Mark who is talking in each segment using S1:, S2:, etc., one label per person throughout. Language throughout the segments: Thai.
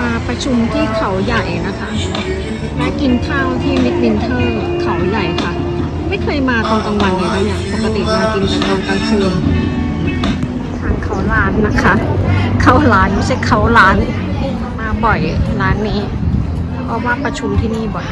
S1: มาประชุมที่เขาใหญ่นะคะมากินข้าวที่มิดวินเทอร์เขาใหญ่ค่ะ ไม่เคยมาตอนกลางวันเลยนะเนี่ยปกติมากินแต่ตอนกลางคืนทางเขาร้านนะคะ เข้าร้านไม่ใช่เขาร้านมาบ่อยร้านนี้เพราะว่าประชุมที่นี่บ่อย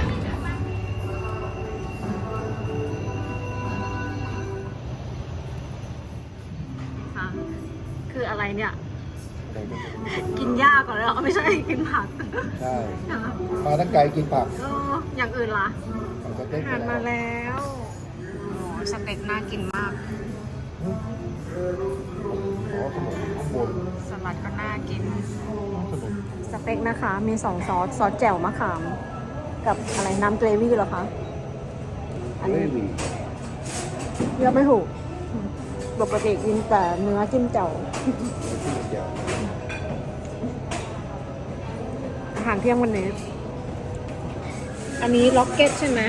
S1: คืออะไรเนี่ยกินยากกว่าแล้วไม่ใช่กินผัก
S2: ใช่มาตั้งไกลกินผัก
S1: อย่างอื่นล่ะ
S2: สเต็ก
S1: ทานมาแล้วสเต็กน่ากินมาก
S2: ขนมข้างบน
S1: สลัดก็น่ากิน
S2: ขนม
S1: สเต็กนะคะมี2 ซอสแจ่วมะขามกับอะไรน้ำเกรวี่เหรอคะอันนี้เลือกไม่ถูกปกติกินแต่เนื้อจิ้มแจ่วอาหารเที่ยงวันนี้อันนี้ล็อกเก็ตใช่ไหม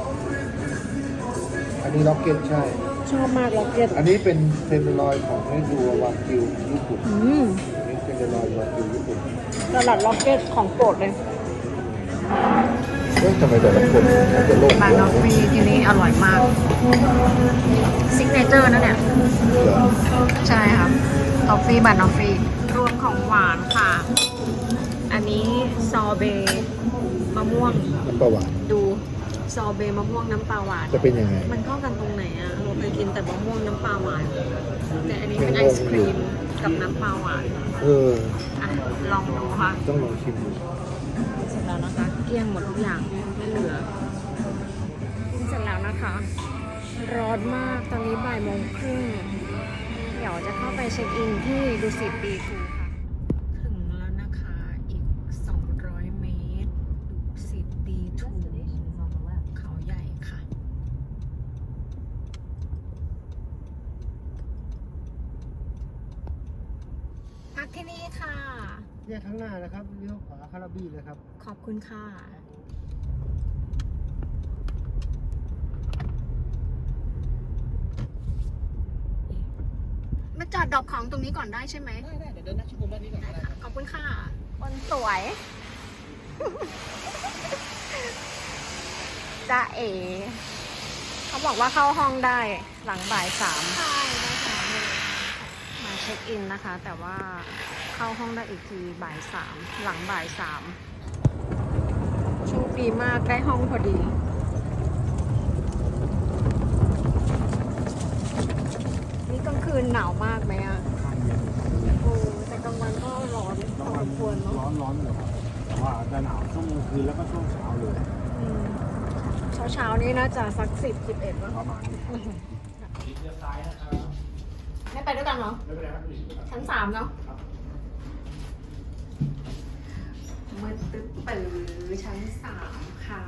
S2: อันนี้ล็อกเก็ตใช่
S1: ชอบมากล็อกเก็ต
S2: อันนี้เป็นเทมเปอร์ลอยของให้ดูวากิวญี่ปุ่น
S1: อัน
S2: นี้เทมเปอร์ลอยวากิวญี่ปุ่น
S1: สลัดล็อกเก็ตของโปรดเลย
S2: ทำไมแต่ละคนจะโลก
S1: บานอฟฟี่ที่นี่อร่อยมากซิกเนเจอร์นะเนี่ยใช่ครับทอฟฟี่บานอฟฟี่รวมของหวานค่ะอันนี้ซอเบมะม่วง
S2: น้ำปลาหวาน
S1: ดูซอเบมะม่วงน้ำปลาหวาน
S2: จะเป็นยังไง
S1: มันเข้ากันตรงไหนอะเราเคยกินแต่มะม่วงน้ำปลาหวานแต่อันนี้เป็นไอศครีมกับน้ำปลาหวานลองดูค่ะ
S2: ต้องลองชิมดู
S1: เสร็จแล้วนะคะเกลี้ยงหมดทุกอย่างไม่เหลือเสร็จแล้วนะคะร้อนมากตอนนี้บ่ายโมงครึ่งเดี๋ยวจะเข้าไปเช็คอินที่ดุสิตดีทูค่ะถึงแล้วนะคะอีก200 เมตรดุสิตดีทูเขาใหญ่ค่ะพักที่นี่ค่ะ
S2: เนี่ยข้างหน้านะครับเลี้ยวขวาคาราบี้เลยครับ
S1: ขอบคุณค่ะมาจอดดรอปของตรงนี้ก่อนได้ใช่ไหม
S2: ได้เดี๋ยวเดินนักชิมด้านนี้ก่อนได้
S1: ขอบคุณค่ะคนสวย จ้าเอ๋เขาบอกว่าเข้าห้องได้หลังบ่าย 3ใช่ได้ค่ะมาเช็คอินนะคะแต่ว่าเข้าห้องได้อีกทีบ่าย 3หลังบ่าย 3โชคดีมากได้ห้องพอดีนี่กลางคืนหนาวมากไหมอ่ะโอ้แต่กลางวันก็ร้อนพอสมควรเนาะ
S2: ร้อนเลยครับแต่ว่าจะหนาวช่วงกลางคืนแล้วก็ช่วงเช้าเลย
S1: เช้านี้น่าจะสัก10-11แล้ว
S2: ประมาณนี้
S1: ไม่ไปด้วยกันเหรอชั้น 3เนาะมืดตึ๊บปื้อชั้น 3ค่ะ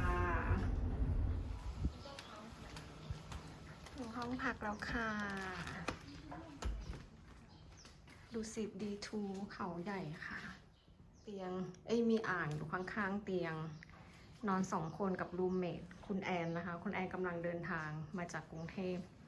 S1: ถึงห้องพักแล้วค่ะดุสิตดีทูเขาใหญ่ค่ะเตียงมีอ่างอยู่ข้างๆเตียงนอน2 คนกับรูมเมทคุณแอนนะคะคุณแอนกำลังเดินทางมาจากกรุงเทพ